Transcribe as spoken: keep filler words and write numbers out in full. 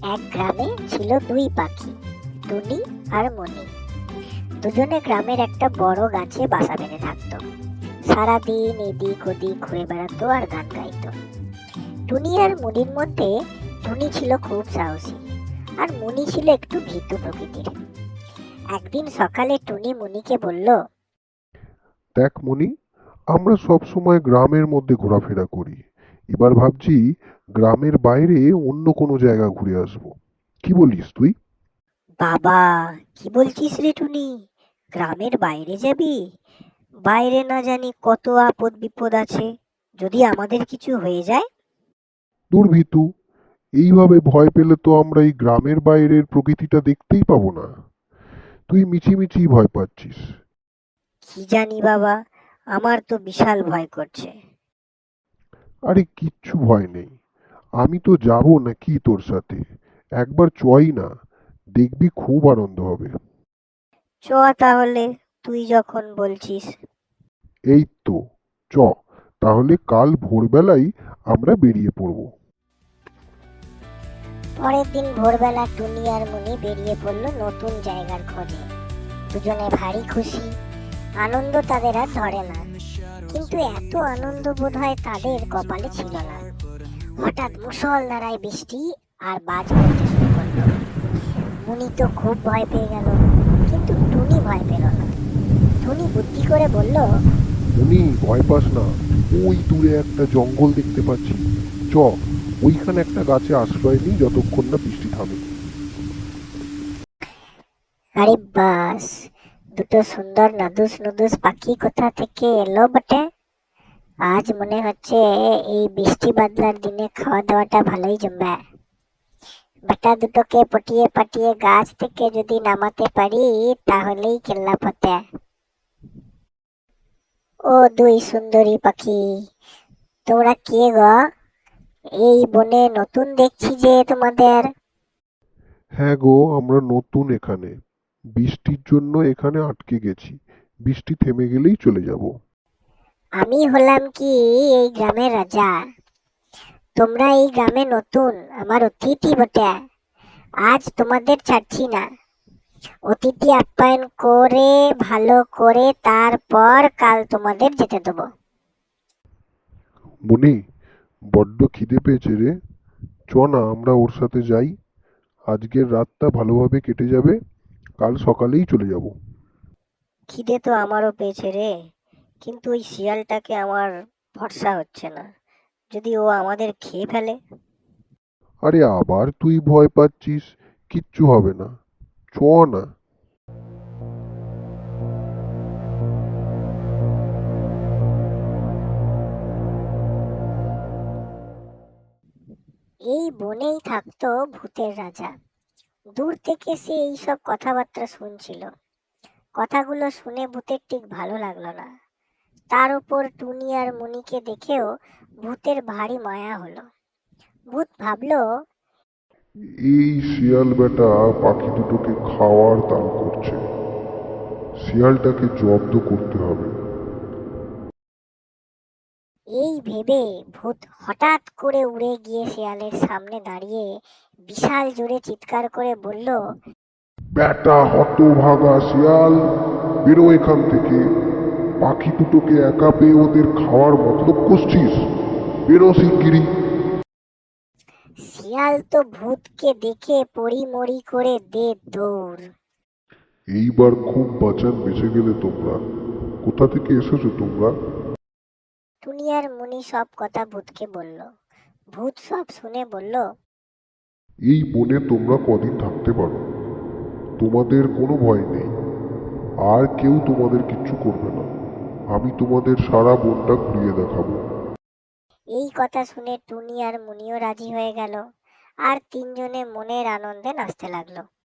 এক গ্রামে ছিল দুই পাখি, টুনি আর মনি। দুজনে গ্রামের একটা বড় গাছে বাসা বেঁধে থাকতো। সারাদিন এদিক ওদিক ঘুরে বেড়াতো আর গান গাইতো। টুনি আর মনির মধ্যে টুনি ছিল খুব সাহসী, আর মনি ছিল একটু ভীতু প্রকৃতির। একদিন সকালে টুনি মনিকে বলল, দেখ মনি, আমরা সব সময় গ্রামের মধ্যে ঘোরাফেরা করি। এবার ভাবছি গ্রামের বাইরে অন্য কোনো জায়গা ঘুরে আসবো। কি বলিস তুই? বাবা, কি বলছিস রে টুনি? গ্রামের বাইরে যাবি? বাইরে না জানি কত আপদ বিপদ আছে, যদি আমাদের কিছু হয়ে যায়। দূর ভীতু, এইভাবে ভয় পেলে তো আমরা এই গ্রামের বাইরের প্রকৃতিটা দেখতেই পাবো না। তুই মিছিমিছি ভয় পাচ্ছিস। কি জানি বাবা, আমার তো বিশাল ভয় করছে। আরে কিচ্ছু ভয় নেই, আমি তো যাবো নাকি তোর সাথে। একবার চই না, দেখবি খুব আনন্দ হবে। চ তাহলে, তুই যখন বলছিস। এই তো, চ। তাহলে কাল ভোরবেলায় আমরা বেরিয়ে পড়বো। পরের দিন ভোরবেলা টুনি আর মুনি বেরিয়ে পড়লো নতুন জায়গার খোঁজে। দুজনে ভারী খুশি, আনন্দ তাদের আর ধরে না। কিন্তু এত আনন্দ বোধ হয় তাদের কপালে ছিল না। হঠাৎ মুষলধারায় বৃষ্টি আর বাজ পড়তে শুরু করলো। মুনি তো খুব ভয় পেয়ে গেল, কিন্তু টুনি ভয় পেল না। টুনি বুদ্ধি করে বলল, উনি ভয় পাস না, ওই দূরে একটা জঙ্গল দেখতে পাচ্ছি। চ, ওইখানে একটা গাছে আশ্রয় নিই যতক্ষণ না বৃষ্টি থামে। আরে বাস, দুটো সুন্দর নাদুস নুদুস পাখি কোথা থেকে এলো বটে! আজ মনে হচ্ছে এই বৃষ্টি বাদলার দিনে খাওয়া দাওয়াটা ভালোই জমবে। বেটা দুটোকে পটিয়ে পাটিয়ে গাছ থেকে যদি নামাতে পারি তাহলেই কেল্লা ফতে। ও দুই সুন্দরী পাখি, তোমরা কে গো? এই বনে নতুন দেখছি যে তোমাদের। হ্যাঁ গো, আমরা নতুন এখানে। বৃষ্টির জন্য এখানে আটকে গেছি। বৃষ্টি থেমে গেলেই চলে যাব। আমি হলাম কি এই গ্রামের রাজা। তোমরা এই গ্রামে নতুন, আমার অতিথি বটে। আজ তোমাদের ছাড়ছি না। অতিথি আপ্যায়ন করে ভালো করে তারপর কাল তোমাদের যেতে দেবো। মনি, বড্ড খিদে পেয়েছে রে। চ না, আমরা ওর সাথে যাই। আজকের রাতটা ভালোভাবে কেটে যাবে, কাল সকালেই চলে যাব। খিদে তো আমারও পেয়েছে রে, কিন্তু ওই শিয়ালটাকে আমার ভরসা হচ্ছে না। যদি ও আমাদের খেয়ে ফেলে। আরে আবার তুই ভয় পাচ্ছিস? কিচ্ছু হবে না, চ না। এই বনেই থাকতো ভূতের রাজা। দূর থেকে সে এইসব কথাবার্তা শুনছিল। কথাগুলো শুনে ভূতের ঠিক ভালো লাগলো না। তার উপর টুনি আর মুনিকে দেখেও ভূতের ভারী মায়া হলো। ভূত ভাবলো, এই শিয়াল বেটা পাখি দুটোকে খাওয়ার তাল করছে। শিয়ালটাকে জব্দ করতে হবে। এই ভেবে ভূত হঠাৎ করে উড়ে গিয়ে শেয়ালের সামনে দাঁড়িয়ে বিশাল জোরে চিৎকার করে বলল, বেটা হতভাগা শিয়াল, বেরো এখান থেকে। পাখি দুটোকে একা পেয়ে ওদের খাওয়ার মতলব করছিস? বেরো শিগগিরই। শিয়াল তো ভূতকে দেখে পড়িমড়ি করে দে দৌড়। এইবার খুব বাঁচান বেঁচে গেলে তোমরা। কোথা থেকে এসেছো তোমরা? টুনি আর মুনি সব কথা ভূতকে বলল। ভূত সব শুনে বলল, এই বনে তোমরা কদিন থাকতে পারো, তোমাদের কোনো ভয় নেই। আর কেউ তোমাদের কিচ্ছু করবে না। আমি তোমাদের সারা বনটা ঘুরিয়ে দেখাবো। এই কথা শুনে টুনি আর মুনিও রাজি হয়ে গেল, আর তিনজনে মনের আনন্দে নাচতে লাগলো।